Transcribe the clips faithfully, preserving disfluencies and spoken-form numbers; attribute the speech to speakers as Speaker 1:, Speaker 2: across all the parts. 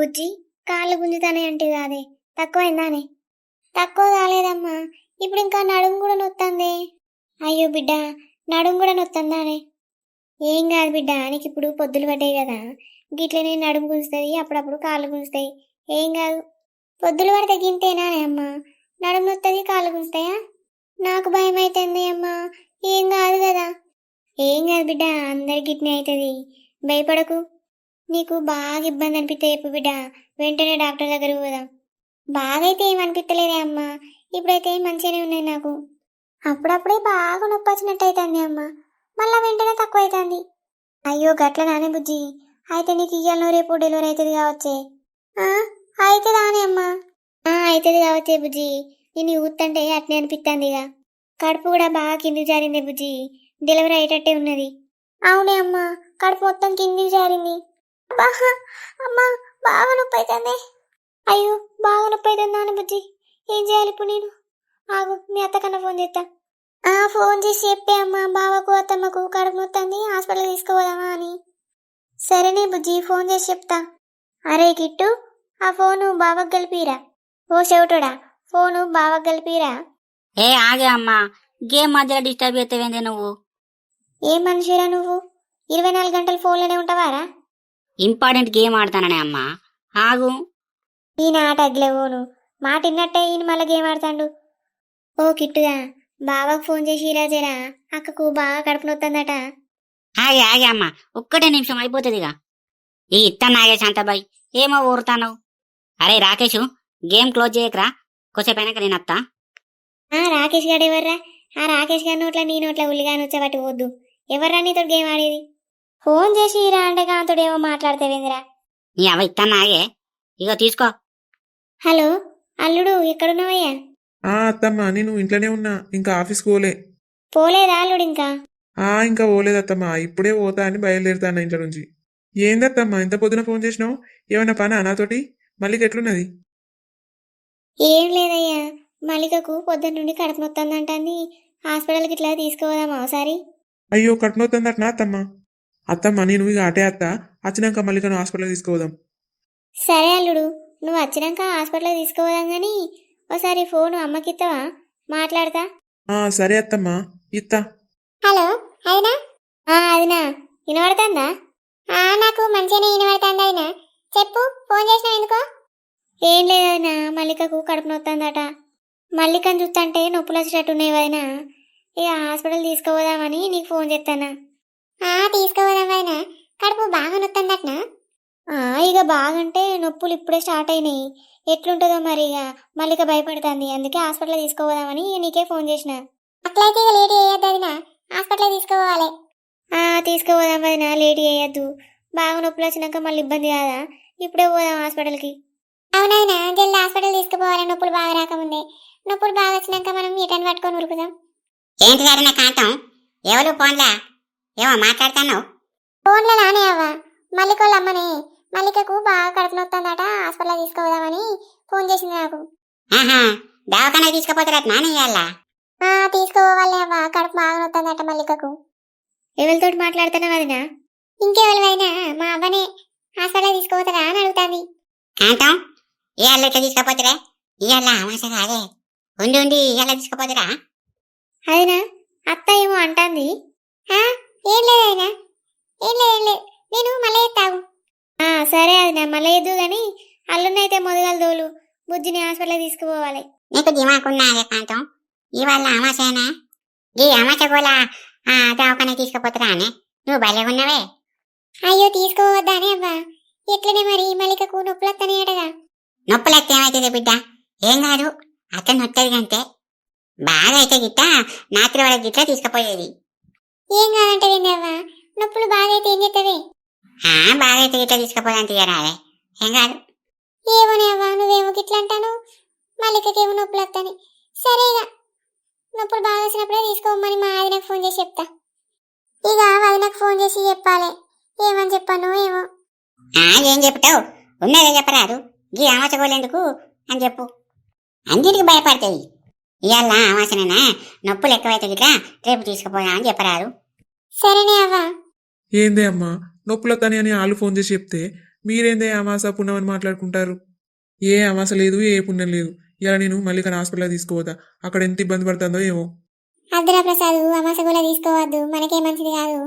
Speaker 1: బుజ్జి, కాళ్ళు గుంజుతానే అంటే కాదే, తక్కువైందానే? తక్కువ కాలేదమ్మా, ఇప్పుడు ఇంకా నడుము కూడా నొత్తందే. అయ్యో బిడ్డ, నడుము కూడా నొత్తందానే? ఏం కాదు బిడ్డ, నీకు ఇప్పుడు పొద్దులు పడ్డాయి కదా, గిట్లనే నడుము గుంజుతుంది, అప్పుడప్పుడు కాళ్ళు గుంజుతాయి. ఏం కాదు, పొద్దులు పడితే గింతేనానే అమ్మా, నడుము నొత్తది కాళ్ళు గుంజుతాయా? నాకు భయం అవుతుంది అమ్మా. ఏం కాదు కదా? ఏం కాదు బిడ్డ, అందరి గిట్నే అవుతుంది, భయపడకు. నీకు బాగా ఇబ్బంది అనిపిస్తే చెప్పు బిడ్డ, వెంటనే డాక్టర్ దగ్గరకు పోదాం. బాగా అయితే ఏమనిపిస్తలేదే అమ్మా, ఇప్పుడైతే మంచిగానే ఉన్నాయి నాకు. అప్పుడప్పుడే బాగా నొప్పి వచ్చినట్టు అవుతుంది అమ్మ, మళ్ళా వెంటనే తక్కువ అవుతుంది. అయ్యో గట్ల నానే బుజ్జి, అయితే నీకు ఇయ్యాలనో రేపు డెలివరీ అవుతుంది కావచ్చే. అవుతుందానే అమ్మా? అవుతుంది కావచ్చే బుజ్జి, నేను ఊతంటే అట్నే అనిపిస్తుంది. ఇక కడుపు కూడా బాగా కిందికి జారింది బుజ్జి, డెలివరీ అయ్యేటట్టే ఉన్నది. అవునే అమ్మా, కడుపు మొత్తం కిందికి జారింది. బాగా అమ్మా, బాగా నొప్పి అవుతుంది. అయ్యో బాగా నొప్పి అవుతుంది నాన్న బుజ్జి, ఏం చేయాలి ఇప్పుడు నేను? ఆగు, మీ అత్తకన్నా ఫోన్ చేస్తా. ఆ ఫోన్ చేసి చెప్పే అమ్మా, బావకు అత్తమ్మకు కడుపు మొత్తంది, హాస్పిటల్ తీసుకుపోదామా అని. సరేనే బుజ్జి, ఫోన్ చేసి చెప్తా. అరే కిట్టు, ఆ ఫోను బావకు కలిపిరా. ఓ చెవిటోడా, ఫోను బావకు కలిపిరా.
Speaker 2: ఏ ఆగే అమ్మా, గేమ్ మధ్యలో డిస్టర్బ్ చేస్తావేందే నువ్వు?
Speaker 1: ఏం మనిషిరా నువ్వు, ఇరవై నాలుగు గంటలు ఫోన్లోనే ఉంటావారా?
Speaker 2: ఇంపార్టెంట్ గేమ్ ఆడతాననే అమ్మా, ఆగు.
Speaker 1: ఈయన ఆట అగ్లేవోను, మాట విన్నట్టే ఈయన మళ్ళీ గేమ్ ఆడతాడు. ఓ కిట్టుగా, బావకు ఫోన్ చేసి ఇరాజేరా, అక్కకు బాగా కడుపు నొత్తందట.
Speaker 2: ఆగే ఆగే అమ్మా, ఒక్కటే నిమిషం అయిపోతుందిగా. ఈ ఇత్తా నాగే శాంతాబాయ్, ఏమో ఊరుతాను. అరే రాకేష్, గేమ్ క్లోజ్ చేయకరా, కొసేపైనాక నేను అత్తా.
Speaker 1: ఆ రాకేష్ గారు ఎవర్రా? ఆ రాకేష్ గారి నోట్ల నీ నోట్ల ఉల్లిగాని వచ్చేవాటి వద్దు. ఎవర్రా నీతో గేమ్ ఆడేది? ఫోన్ చేసి ఇరా అంటే కాంతోడు ఏమో మాట్లాడతావేందిరా?
Speaker 2: నీ అవ ఇత్తా నాగే, ఇగో తీసుకో.
Speaker 1: హలో అల్లుడు, ఎక్కడున్నావయ్యా?
Speaker 3: ఆ అత్తమ్మ, నేను ఇంట్లోనే ఉన్నా, ఇంకా ఆఫీస్కి పోలే.
Speaker 1: పోలేదా అల్లుడు ఇంకా?
Speaker 3: ఆ ఇంకా పోలేదు అత్తమ్మ, ఇప్పుడే పోతా అని బయలుదేరుతాను ఇంట్లో నుంచి. ఏందత్తమ్మ ఇంత పొద్దున ఫోన్ చేసినావు? ఏమన్నా పనా నాతోటి? మళ్ళీ ఎట్లున్నది?
Speaker 1: ఏం లేదయ్యా, మల్లికకు పొద్దున్న నుండి కడుపు నొత్తందంటాన్ని, హాస్పిటల్కి ఇట్లా తీసుకుపోదామా ఒకసారి?
Speaker 3: అయ్యో కట్నవుతుందట్నా అత్తమ్మ? అత్తమ్మ నేను ఇక అటే అత్త, వచ్చినాక మల్లికను హాస్పిటల్ తీసుకుపోదాం.
Speaker 1: సరే అల్లుడు, నువ్వు వచ్చినాక హాస్పిటల్ తీసుకుపోదాం కానీ ఒకసారి ఫోను అమ్మకిస్తావా? మాట్లాడతా.
Speaker 3: ఆ సరే అత్తమ్మ, ఇత్తా.
Speaker 1: హలో అయినా? అదినా వినబడుతుందా? నాకు మంచిగానే వినబడుతుంది అయినా, చెప్పు, ఫోన్ చేసినా ఎందుకో? ఏం లేదైనా, మల్లికకు కడుపు నొత్తందట. మల్లికను చూస్తుంటే నొప్పులు వచ్చేటట్టున్నాయి వదినా, ఇక హాస్పిటల్ తీసుకుపోదామని నీకు ఫోన్ చేస్తానా. తీసుకుపోదాం వదినా, కడుపు బాగా నొత్తందటనా? ఇక బాగంటే నొప్పులు ఇప్పుడే స్టార్ట్ అయినాయి, ఎట్లుంటుందో మరి. ఇక మల్లిక భయపడుతుంది, అందుకే హాస్పిటల్ తీసుకోపోదామని నీకే ఫోన్ చేసిన. అట్లయితే ఇక లేట్ చేయొద్దు వదినా, హాస్పిటల్ తీసుకోవాలి. తీసుకుపోదాం వదినా, లేట్ చేయొద్దు. బాగా నొప్పులు వచ్చినాక మళ్ళీ ఇబ్బంది కాదా, ఇప్పుడే పోదాం హాస్పిటల్కి. అవునైనా జల్ది హాస్పిటల్ తీసుకుపోవాలి, నొప్పులు బాగా రాకముందే. నొప్పులు బాగా వచ్చినాక మనం ఈటని పట్టుకొని ఉరుకుదాం.
Speaker 2: ఏంటి నా కాంతం, ఎవరు ఫోన్లా ఏమో మాట్లాడుతున్నావు?
Speaker 1: ఫోన్లో నానే అవ్వా, మల్లికోళ్ళ అమ్మనే. మల్లికకు బాగా కడుపు నొత్తందట, హాస్పిటల్ తీసుకుపోదామని ఫోన్ చేసింది నాకు.
Speaker 2: ఆహా, దవాఖానా తీసుకుపోతారట నాని ఇయ్యాల?
Speaker 1: తీసుకోవాలి అవ్వ, కడుపు బాగా నొత్తందట మల్లికకు. ఎవరితో మాట్లాడుతున్నావు వదినా? ఇంకెవరివైనా, మా అవ్వనే. హాస్పిటల్ తీసుకుపోతారా అని అడుగుతాంది.
Speaker 2: కాంతం, ఇవాళ ఇట్లా తీసుకుపోతారా? ఇవాళ అమాస కాదే, ఉండి ఉండి ఇవాళ తీసుకుపోతారా?
Speaker 1: అదినా, అత్త ఏమో అంటాంది. ఏం లేదైనా, ఏం లేదు ఏం లేదు, నేను మళ్ళీ ఎత్తావు. సరే అదినా, మళ్ళీ ఎద్దు గాని అల్లున్నైతే మొదగల దోలు, బుజ్జిని హాస్పిటల్ తీసుకుపోవాలి.
Speaker 2: నీకు దిమాకున్నాదే కాంతం, ఇవాళ అమాసేనా? ఈ అమాస కూడా దవాఖానా తీసుకుపోతారా అని నువ్వు భలే ఉన్నవే.
Speaker 1: అయ్యో తీసుకోవద్దానే అవ్వా, ఎట్లనే మరి మల్లికకు నొప్పులు వస్తానే అటగా.
Speaker 2: నొప్పులు వస్తే ఏమవుతుంది బిడ్డ? ఏం కాదు, అతను వస్తుంది అంతే. బాగా అయితే గిట్ట నాత్రి వాళ్ళ గిట్ల తీసుకుపోయేది.
Speaker 1: ఏం కాదంటే అవ్వా, నొప్పులు బాగా అయితే ఏం చేస్తావే?
Speaker 2: బాగా అయితే గిట్ల తీసుకుపోదాం తీయరాలే, ఏం కాదు.
Speaker 1: ఏమోనే అవ్వా, నువ్వేమో గిట్ల అంటాను, మల్లికకేమో నొప్పులు వస్తాను. సరేగా, నొప్పులు బాగా వచ్చినప్పుడే తీసుకోమని మా ఆదినకు ఫోన్ చేసి చెప్తా. ఇక వదినకు ఫోన్ చేసి చెప్పాలి, ఏమని చెప్పాను ఏమో.
Speaker 2: ఏం చెప్తావు, ఉన్నదే చెప్పరాదు. గీ అమాసగోలేందుకు అని చెప్పు, అన్నిటికి భయపడతాయి. ఇవాళ అమాసనేనా, నొప్పులు ఎక్కువైతే గిట్లా రేపు తీసుకుపోయా అని చెప్పరాదు.
Speaker 1: సరేనే అవ్వా.
Speaker 3: ఏందే అమ్మా, నొప్పులతని అని వాళ్ళు ఫోన్ చేసి చెప్తే మీరేందే అమాస పుణ్యం అని మాట్లాడుకుంటారు? ఏ అమాస లేదు, ఏ పుణ్యం లేదు. ఇలా నేను మల్లికను హాస్పిటల్ తీసుకోవద్దా? అక్కడ ఎంత ఇబ్బంది పడుతుందో ఏమో.
Speaker 1: అద్దురా ప్రసాద్, అమాస కూడా తీసుకోవద్దు, మనకే మంచిది కాదు.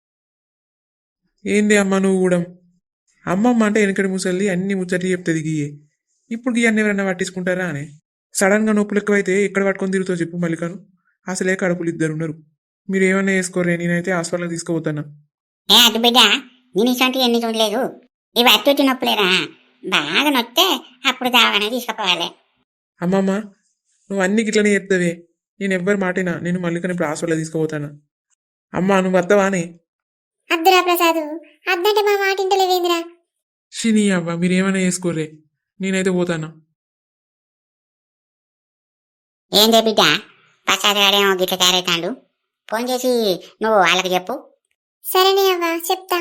Speaker 3: ఏంది అమ్మ నువ్వు కూడా? అమ్మమ్మ అంటే వెనకటి ముసలి అన్ని ముచ్చట్లు చెప్తుంది గీయే. ఇప్పుడు గీ అన్ని ఎవరన్నా పట్టించుకుంటారా అని? సడన్ గా నొప్పులు ఎక్కువైతే ఎక్కడ పట్టుకొని తిరుగుతావు చెప్పు మల్లికను? అసలే కడుపులు ఇద్దరు ఉన్నారు. మీరు ఏమన్నా వేసుకోరే, నేనైతే హాస్పిటల్కి తీసుకుపోతాను.
Speaker 2: ఏ అటు బిడ్డ, నేను ఇటువంటి ఎన్ని చూడలేదు. ఇవి అత్తుటి నొప్పులేరా, బాగా నొత్తే అప్పుడు దావానే తీసుకుపోవాలి.
Speaker 3: అమ్మమ్మ నువ్వు అన్ని గిట్లనే చెప్తావే. నేను ఎవ్వరి మాటినా నేను మల్లికని ఇప్పుడు హాస్పిటల్ తీసుకుపోతాను. అమ్మ నువ్వు వస్తావానే?
Speaker 1: అద్దురా ప్రసాద్, అద్దంటే మా మాట ఇంటలేవేందిరా?
Speaker 3: షిని అవ్వ మీరేమైనా చేసుకోరే, నేనైతే పోతాను.
Speaker 2: ఏందే బిడ్డ, ప్రసాద్ గాడేమో గిట్ల తయారైతాడు. ఫోన్ చేసి నువ్వు వాళ్ళకి చెప్పు.
Speaker 1: సరేనే అవ్వ, చెప్తా.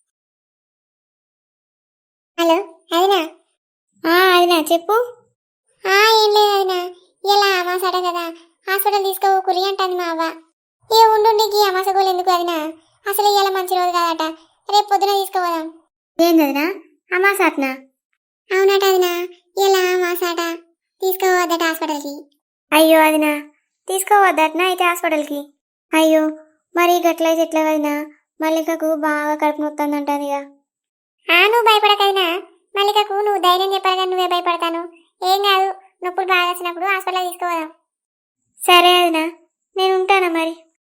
Speaker 1: హలో అదినా? అదినా చెప్పు. ఏం లేదు అదినా, ఇలా అమాస అట కదా, హాస్పిటల్ తీసుకోకురి అంటుంది మా అవ్వ. ఏ ఉండుండికి అమాస గోలు ఎందుకు అదినా? అసలు ఇవాళ మంచి రోజు కాదట, రేపు పొద్దున తీసుకోపోదాం. ఏందదినా అమాస అట్నా? అవునట అదినా, ఇలా అమాస అట, తీసుకోవద్దట హాస్పిటల్కి. అయ్యో అదినా, తీసుకోవద్దటనా అయితే హాస్పిటల్కి? అయ్యో మరి గట్లయితే ఎట్లా వదినా? మల్లికకు బాగా కడుపు నొత్తందంటది ఇక. నువ్వు భయపడకైనా, మల్లికకు నువ్వు ధైర్యం చెప్పాలి కానీ నువ్వే భయపడతాను. ఏం కాదు, నొప్పులు బాగా వచ్చినప్పుడు హాస్పిటల్ తీసుకోదాం. సరే అదినా, నేను ఉంటానా మరి.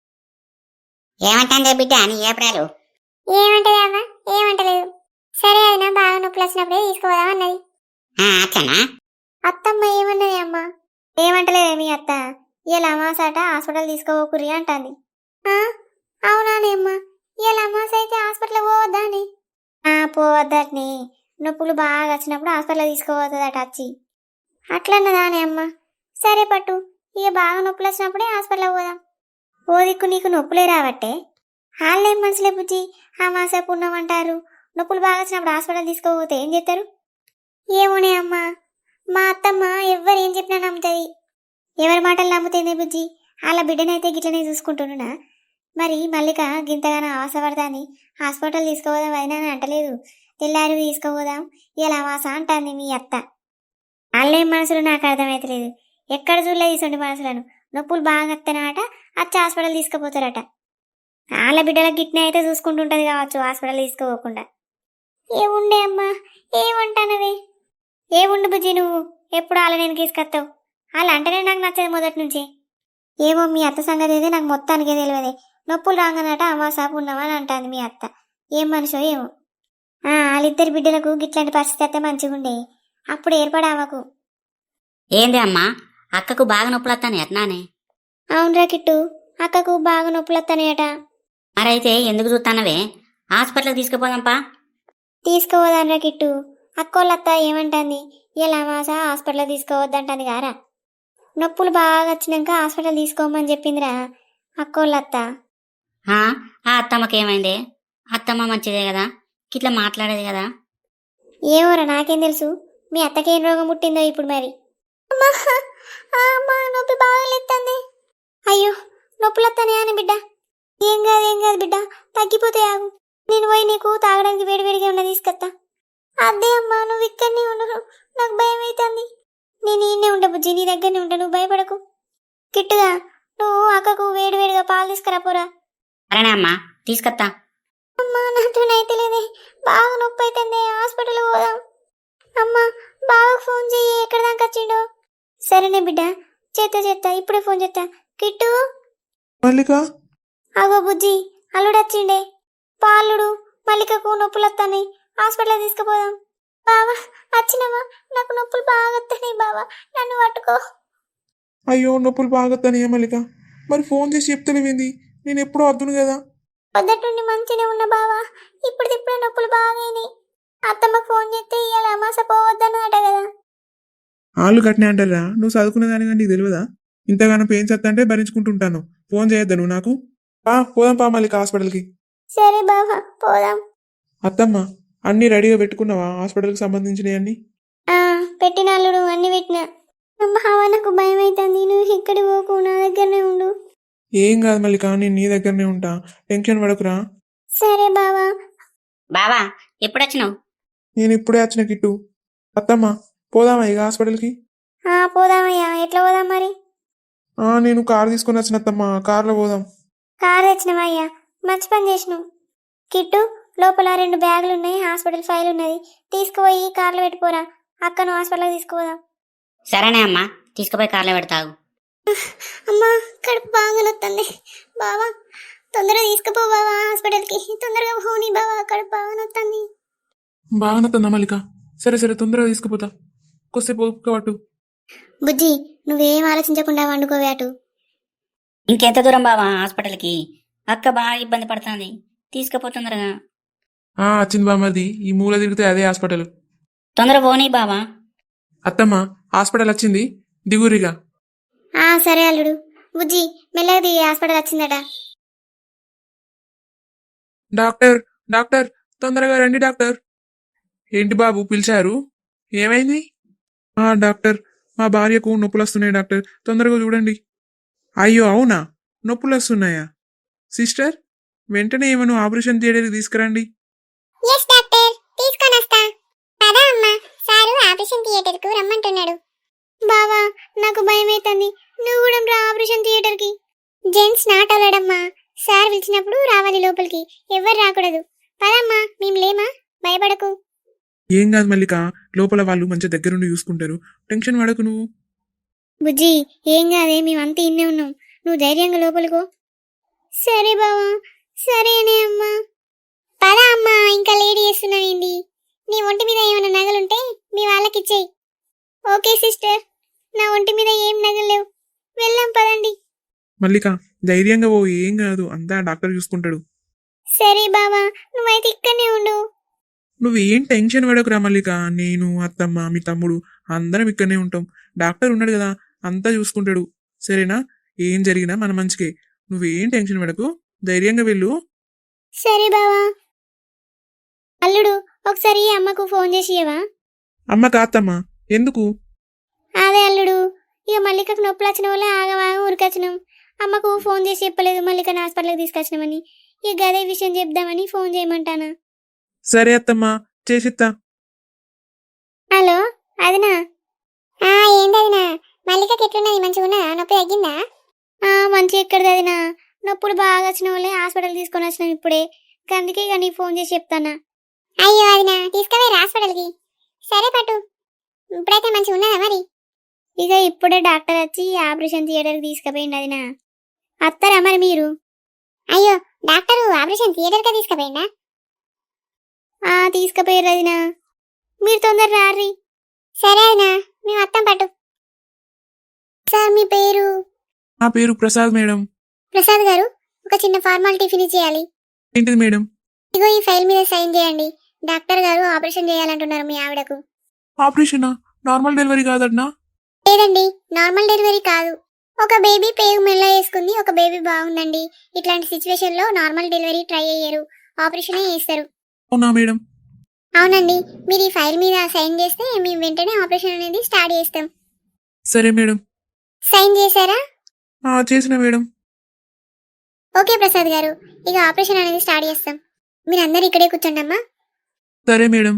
Speaker 2: ఏమంటాందే బిడ్డ నీ ఏప్రాలు?
Speaker 1: ఏమంటది అవ్వ? ఏమంటలేదు. సరే అదినా, బాగా నొప్పులు వచ్చినప్పుడే తీసుకోదాం అన్నది.
Speaker 2: అట్లనా?
Speaker 1: అత్తమ్మ ఏమన్నది అమ్మ? ఏమంటలేదే మీ అత్త? ఇలా అమాసాట హాస్పిటల్ తీసుకోకురి అంటాంది. అవునానే అమ్మ, ఇలా అమాస అయితే హాస్పిటల్ పోవద్దా అని? పోవద్దటని, నొప్పులు బాగా వచ్చినప్పుడు హాస్పిటల్ తీసుకోవద్దట వచ్చి. అట్లన్నదానే అమ్మ. సరే పట్టు, ఇక బాగా నొప్పులు వచ్చినప్పుడే హాస్పిటల్ పోదాం. ఓ దిక్కు నీకు నొప్పులే రావట్టే, వాళ్ళేం మనసులే బుజ్జి, అమాస పుణ్యం అంటారు. నొప్పులు బాగా వచ్చినప్పుడు హాస్పిటల్ తీసుకోకపోతే ఏం చేస్తారు? ఏమోనే అమ్మ, మా అత్తమ్మ ఎవ్వరు ఏం చెప్పినా నమ్ముతుంది. ఎవరి మాటలు నమ్ముతుంది బుజ్జి? వాళ్ళ బిడ్డనైతే గిట్లనే చూసుకుంటున్నా. మరి మల్లిక గింతగానో ఆశపడతాని హాస్పిటల్ తీసుకోపోదాం అయినా అని అంటలేదు. తెల్లారి తీసుకోపోదాం ఇలా అమాస అంటాంది మీ అత్త. వాళ్ళేం మనసులు నాకు అర్థమవుతలేదు. ఎక్కడ చూడలేదు ఇటువంటి మనసులను. నొప్పులు బాగా వస్తానట, వచ్చి హాస్పిటల్ తీసుకుపోతారట. వాళ్ళ బిడ్డల గిట్నే అయితే చూసుకుంటుంటది కావచ్చు హాస్పిటల్ తీసుకోపోకుండా. ఏముండే అమ్మా, ఏమంటానవే? ఏముండు బుజ్జి, నువ్వు ఎప్పుడు వాళ్ళ నేను తీసుకొస్తావు? వాళ్ళు అంటేనే నాకు నచ్చదు మొదటి నుంచి. ఏమో మీ అత్త సంగతి అయితే నాకు మొత్తానికే తెలియదే. నొప్పులు రాగానట అమాస పుణ్యం అని అంటాంది మీ అత్త. ఏం మనిషో ఏమో. వాళ్ళిద్దరి బిడ్డలకు గిట్లాంటి పరిస్థితి అయితే మంచిగుండే, అప్పుడు ఏర్పడావకు.
Speaker 2: ఏంది అమ్మా, అక్కకు బాగా నొప్పులు వస్తాను ఎట్నానే?
Speaker 1: అవునరా కిట్టు, అక్కకు బాగా నొప్పులు వస్తానయట.
Speaker 2: మరైతే ఎందుకు చూస్తానవే? హాస్పిటల్కి తీసుకుపోదాంపా.
Speaker 1: తీసుకోవదానరా కిట్టు, అక్కోళ్ళత్త ఏమంటుంది? ఇలా అమాస హాస్పిటల్ తీసుకోవద్దంటుంది గారా. నొప్పులు బాగా వచ్చినాక హాస్పిటల్ తీసుకోమని చెప్పిందిరా అక్కోళ్ళత్త.
Speaker 2: ఆ అత్తమ్మకేమైందే? అత్తమ్మ మంచిదే కదా, ఇట్లా మాట్లాడేది కదా.
Speaker 1: ఏమోరా నాకేం తెలుసు, మీ అత్తకేం రోగం పుట్టిందో ఇప్పుడు మరి. నొప్పి బాగా లేస్తుంది. అయ్యో నొప్పులు వస్తానే అని బిడ్డ. ఏం కాదు ఏం కాదు బిడ్డ, తగ్గిపోతే ఆగు. నేను పోయి నీకు తాగడానికి వేడివేడిగా ఉన్న తీసుకొస్తా. అదే అమ్మా, నువ్వు ఇక్కడనే ఉండు, నాకు భయం అవుతుంది. నేను ఈయనే ఉండ బుజ్జి, నీ దగ్గరనే ఉంటా, నువ్వు భయపడకు. కిట్టుగా నువ్వు అక్కకు వేడివేడిగా పాలు తీసుకురా పోరా.
Speaker 2: సరేనా అమ్మా, తీసుకొస్తా.
Speaker 1: అమ్మా నాతోనైతే లేదే, బాగా నొప్పి అవుతుంది, హాస్పిటల్ పోదాం. అమ్మా బాగా ఫోన్ చెయ్యి, ఎక్కడ దాకా వచ్చిండో. సరేనే బిడ్డ, చేత్తా చేత్తా, ఇప్పుడే ఫోన్ చేస్తా. కిట్టు.
Speaker 3: మల్లిక
Speaker 1: అగో బుజ్జి, అల్లుడు వచ్చిండే. పాలుడు మల్లికకు నొప్పులు వస్తాయి, హాస్పిటల్ తీసుకుపోదాం. బావా వచ్చినవా? నాకు నొప్పులు బాగా వస్తాయి బావా, నన్ను పట్టుకో.
Speaker 3: అయ్యో నొప్పులు బాగొస్తానే మల్లిక, మరి ఫోన్ చేసి చెప్తలేవేంది? నేను ఎప్పుడో వద్దును కదా.
Speaker 1: పొద్దుటుండి మంచిగా ఉన్న బావా, ఇప్పుడు ఇప్పుడే నొప్పులు బాగాయినాయి. అత్తమ్మకు ఫోన్ చేస్తే ఇవాళ అమాస పోవద్దన్నదట కదా.
Speaker 3: వాళ్ళు కట్టినా అంటారా? నువ్వు చదువుకునే దాని కానీ నీకు తెలియదా? ఇంతగానో పెయిన్స్ వస్తుంటే భరించుకుంటుంటాను. ఫోన్ చేయొద్దా నువ్వు నాకు? పా పోదాం పా మల్లిక హాస్పిటల్కి.
Speaker 1: సరే బావా పోదాం.
Speaker 3: అత్తమ్మ అన్నీ రెడీగా పెట్టుకున్నావా హాస్పిటల్కి సంబంధించినవి అన్నీ?
Speaker 1: పెట్టిన అల్లుడు అన్ని పెట్టిన. బావా నాకు భయం అవుతుంది, నువ్వు ఇక్కడి పోకు, నా దగ్గరనే ఉండు.
Speaker 3: ఏం కాదు మల్లిక, నేను నీ దగ్గరనే ఉంటా, టెన్షన్ పడకురా.
Speaker 1: సరే బావా.
Speaker 2: బావా ఎప్పుడు వచ్చినావు?
Speaker 3: నేను ఇప్పుడే వచ్చిన కిట్టు. అత్తమ్మ పోదామా ఇక హాస్పిటల్కి?
Speaker 1: ఆ పోదామయ్యా, ఎట్లా పోదాం మరి?
Speaker 3: ఆ, నేను కారు తీసుకొని వచ్చిన అత్తమ్మ, కార్లో పోదాం.
Speaker 1: కారు తెచ్చినవయ్యా, మంచి పని చేసినావు. కిట్టు, లోపల రెండు బ్యాగులు ఉన్నాయి, హాస్పిటల్ ఫైల్ ఉన్నది, తీసుకుపోయి కార్లో పెట్టిపోరా. అక్కను హాస్పిటల్కి తీసుకుపోదాం.
Speaker 2: సరేనే అమ్మా, తీసుకుపోయి కార్లో పెడతావు.
Speaker 1: అమ్మా కడుపు బాగా నొత్తుంది. బావా తొందరగా తీసుకుపో బావా హాస్పిటల్కి, తొందరగా పోనీ బావా, కడుపు బాగా నొత్తుంది.
Speaker 3: బాగా నత్తందా మల్లిక? సరే సరే, తొందరగా తీసుకుపోతా. కొద్దిసేపు ఓపిక పట్టు.
Speaker 1: బుజ్జి, నువ్వేం ఆలోచించకుండా వండుకోవే అటు.
Speaker 2: ఇంకెంత దూరం బావా హాస్పిటల్కి? అక్క బాగా ఇబ్బంది పడుతుంది, తీసుకుపోతుందరగా.
Speaker 3: ఆ, వచ్చింది బామ్మది. ఈ మూల తిరిగితే అదే హాస్పిటల్.
Speaker 2: తొందర పోనీ బావా.
Speaker 3: అత్తమ్మ హాస్పిటల్ వచ్చింది, దిగురిగా.
Speaker 1: ఆ సరే అల్లుడు. బుజ్జి మెల్లగా దిగి, హాస్పిటల్ వచ్చిందట.
Speaker 3: డాక్టర్ డాక్టర్ తొందరగా రండి డాక్టర్. ఏంటి బాబు పిలిచారు? ఏమైంది? ఆ డాక్టర్, మా భార్యకు నొప్పులు వస్తున్నాయి డాక్టర్, తొందరగా చూడండి. అయ్యో అవునా, నొప్పులు వస్తున్నాయా? సిస్టర్, వెంటనే ఏమను ఆపరేషన్ థియేటర్కి తీసుకురండి.
Speaker 1: ఎస్ డాక్టర్, తీసుకొని వస్తా. పదా అమ్మా, సారు ఆపరేషన్ థియేటర్ కు రమ్మంటున్నాడు. బావా నాకు భయం అవుతుంది, నువ్వు కూడా రా ఆపరేషన్ థియేటర్ కి. జెంట్స్ నాట్ అలడమ్మా, సార్ పిలిచినప్పుడు రావాలి లోపలికి, ఎవరు రాకూడదు. పదమ్మా, మేము లేమా, భయపడకు.
Speaker 3: ఏం కాదు మల్లిక, లోపల వాళ్ళు మంచి దగ్గరుండి చూసుకుంటారు, టెన్షన్ పడకు నువ్వు.
Speaker 1: బుజ్జి ఏం కాదే, మేమంతా ఇన్నే ఉన్నాం, నువ్వు ధైర్యంగా లోపలికో. సరే బావా, సరేనే అమ్మా. పదా అమ్మా, ఇంకా లేడీ చేస్తున్నావేంది? నీ ఒంటి మీద ఏమైనా నగలుంటే మీ వాళ్ళకి ఇచ్చేయి. ఓకే సిస్టర్, నా ఒంటి మీద ఏం నగలు లేవు, వెళ్ళాం పదండి.
Speaker 3: మల్లిక ధైర్యంగా ఓ, ఏం కాదు, అంతా డాక్టర్ చూసుకుంటాడు.
Speaker 1: సరే బావా, నువ్వైతే ఇక్కడనే ఉండు.
Speaker 3: నువ్వు ఏం టెన్షన్ పడకురా మల్లిక, నేను అత్తమ్మ మీ తమ్ముడు అందరం ఇక్కడనే ఉంటాం. డాక్టర్ ఉన్నాడు కదా, అంతా చూసుకుంటాడు. సరేనా? ఏం జరిగినా మన మంచికే, నువ్వేం టెన్షన్ పడకు, ధైర్యంగా వెళ్ళు.
Speaker 1: సరే బావా. అల్లుడు, ఒకసారి అమ్మకు ఫోన్ చేసి ఇవ్వవా?
Speaker 3: అమ్మ కాత్తమ్మ, ఎందుకు?
Speaker 1: అదే అల్లుడు, ఇక మల్లికకు నొప్పులు వచ్చిన వల్ల ఆగవాగ ఊరికొచ్చినాం. అమ్మకు ఫోన్ చేసి చెప్పలేదు మల్లికను హాస్పిటల్కి తీసుకొచ్చినామని. ఇక అదే విషయం చెప్దామని ఫోన్ చేయమంటానా.
Speaker 3: సరే అత్తమ్మ, చేసిత్తా.
Speaker 1: హలో అదినా? ఏంటదినా, మల్లికకి ఎట్లున్నది, మంచిగా ఉన్నదా, నొప్పి తగ్గిందా? మంచిగా ఎక్కడిది అదినా, నొప్పులు బాగా వచ్చిన వాళ్ళే హాస్పిటల్ తీసుకొని వచ్చినాం ఇప్పుడే, అందుకే ఇక నీకు ఫోన్ చేసి చెప్తానా. అయ్యో అదినా, తీసుకుపోయి హాస్పిటల్కి. సరే పట్టు, ఇప్పుడైతే మంచిగా ఉన్నదా మరి? ఇక ఇప్పుడే డాక్టర్ వచ్చి ఆపరేషన్ థియేటర్కి తీసుకుపోయింది అదినా. అత్తారా మరి మీరు? అయ్యో డాక్టర్ ఆపరేషన్ థియేటర్కి తీసుకుపోయిందా? ఆ తీసుకుపోయారు అదినా, మీరు తొందర రారి. సరే అదినా, మేము అత్తం పట్టు. సార్ మీ పేరు?
Speaker 3: నా పేరు ప్రసాద్ మేడం.
Speaker 1: ప్రసాద్ గారు, ఒక చిన్న ఫార్మాలిటీ ఫినిష్ చేయాలి.
Speaker 3: ఏంటిది మేడం?
Speaker 1: ఇగో ఈ ఫైల్ మీద సైన్ చేయండి. డాక్టర్ గారు ఆపరేషన్ చేయాలంటున్నారు మీ ఆవిడకు.
Speaker 3: ఆపరేషనా? నార్మల్ డెలివరీ కాదన్నా?
Speaker 1: లేదండి, నార్మల్ డెలివరీ కాదు. ఒక బేబీ పేగు మెల్ల వేసుకుంది, ఒక బేబీ బాగుందండి. ఇట్లాంటి సిచ్యువేషన్ లో నార్మల్ డెలివరీ ట్రై అయ్యారు, ఆపరేషనే చేస్తారు.
Speaker 3: అవునా మేడం?
Speaker 1: అవునండి, మీరు ఈ ఫైల్ మీద సైన్ చేస్తే మేము వెంటనే ఆపరేషన్ అనేది స్టార్ట్ చేస్తాం.
Speaker 3: సరే మేడం.
Speaker 1: సైన్ చేశారా?
Speaker 3: ఆ, చేసిన మేడం.
Speaker 1: ఓకే ప్రసాద్ గారు, ఇక ఆపరేషన్ అనేది స్టార్ట్ చేస్తాం. మీరు అందరు ఇక్కడే కూర్చోండి అమ్మా.
Speaker 3: సరే మేడం.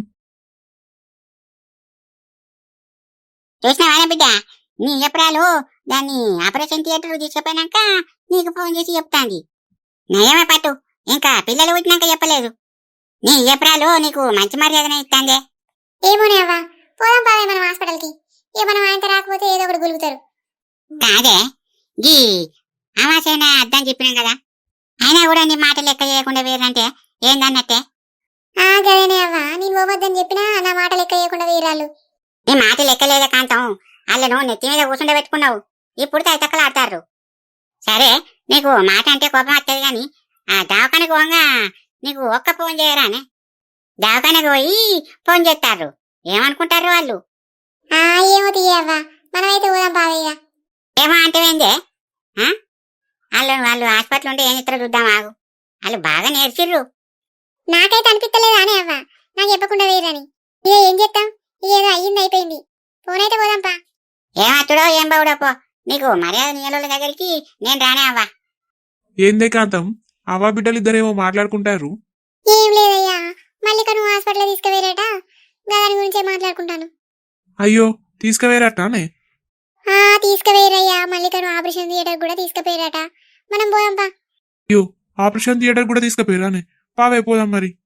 Speaker 2: చూసినావానే బిడ్డ, నీ ఎప్పుడాలు దాన్ని ఆపరేషన్ థియేటర్ తీసుకుపోయినాక నీకు ఫోన్ చేసి చెప్తాంది. నయమే పట్టు, ఇంకా పిల్లలు పుట్టినాక చెప్పలేదు. నీ ఎప్పుడాలు నీకు మంచి మర్యాదనే ఇస్తాందే.
Speaker 1: ఏమోనే అవ్వా, పోదాం పావే మనం హాస్పిటల్కి. ఇక మనం ఆయనతో రాకపోతే ఏదో ఒకటి గులుగుతారు.
Speaker 2: కాదే, గీ అమాసైనా అద్దని చెప్పినాం కదా, అయినా కూడా నీ మాట లెక్క చేయకుండా వేరంటే ఏందన్నట్టే.
Speaker 1: ఆ గదేనే అవ్వా, నేను పోవద్దని చెప్పినా నా మాట లెక్క చేయకుండా వేరాళ్ళు.
Speaker 2: నీ మాట లెక్కలేదే కాంతం, వాళ్ళను నెత్తి మీద కూర్చుండ పెట్టుకున్నావు, ఇప్పుడు తైతక్కలు ఆడతారు. సరే, నీకు మాట అంటే కోపం వస్తుంది గాని ఆ దవాఖానకు పోగా నీకు ఒక్క ఫోన్ చేయరానే? దవాఖానకు పోయి ఫోన్ చేస్తారు, ఏమనుకుంటారు వాళ్ళు?
Speaker 1: ఆ ఏమో తీయవ్వా, మనమైతే పోదాం పావయ్య.
Speaker 2: ఏమో అంటేందే, వాళ్ళు వాళ్ళు హాస్పిటల్ ఉంటే ఏం ఇతర చూద్దాం ఆగు, వాళ్ళు బాగా నేర్చిర్రు.
Speaker 1: నాకైతే అనిపిస్తలేదు అనే అవ్వా, నాకు చెప్పకుండా వేరని. ఇక ఏం చేస్తాం, ఏదో అయ్యింది అయిపోయింది, ఫోన్ అయితే పోదాంపా.
Speaker 2: ఏమత్తుడో ఏం బావుడో పో, నీకు మర్యాద నీళ్ళ దగ్గరికి నేను రానే అవ్వా.
Speaker 3: ఏందే కాంతం, అవ్వ బిడ్డలు ఇద్దరేమో మాట్లాడుకుంటారు.
Speaker 1: ఏం లేదయ్యా, మల్లిక నువ్వు హాస్పిటల్ తీసుకువేరేట, దాని గురించే మాట్లాడుకుంటాను.
Speaker 3: అయ్యో తీసుకువేరటానే?
Speaker 1: ఆ తీసుకుపోయిరయ్యా, మల్లికను ఆపరేషన్ థియేటర్ కూడా తీసుకుపోయిరట. మనం పోదాంపా.
Speaker 3: అయ్యో ఆపరేషన్ థియేటర్ కూడా తీసుకుపోయారానే? పావే పోదాం మరి.